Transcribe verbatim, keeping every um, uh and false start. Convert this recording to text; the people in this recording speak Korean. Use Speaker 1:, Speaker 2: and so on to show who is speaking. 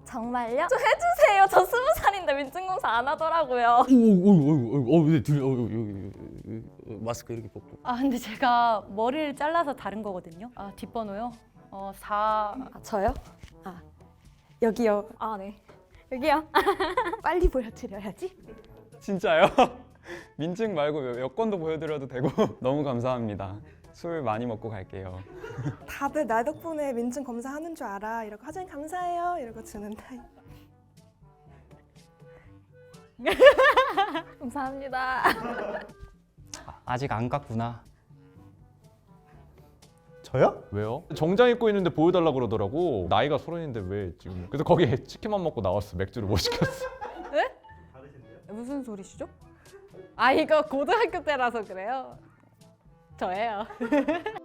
Speaker 1: 정말요? 좀 해주세요. 저 스무 살인데 민증검사 안 하더라고요.
Speaker 2: 오오오오오 네, 들려. 어, 여기, 여기, 여기, 마스크 이렇게 벗고.
Speaker 3: 아 근데 제가 머리를 잘라서 다른 거거든요. 아 뒷번호요? 어 사.
Speaker 1: 아, 저요? 아, 여기요. 아, 네. 여기요. 빨리 보여드려야지.
Speaker 4: 진짜요? 민증 말고 여권도 보여드려도 되고 너무 감사합니다. 술 많이 먹고 갈게요.
Speaker 5: 다들 나 덕분에 민증 검사하는 줄 알아. 이러고 화장님 감사해요. 이러고 주는 타입.
Speaker 1: 감사합니다.
Speaker 6: 아직 안 깠구나.
Speaker 7: 저요?
Speaker 2: 왜요? 정장 입고 있는데 보여달라 그러더라고. 나이가 서른인데 왜 지금? 그래서 거기에 치킨만 먹고 나왔어. 맥주를 못 시켰어.
Speaker 3: 무슨 소리시죠? 아 이거 고등학교 때라서 그래요. 저예요.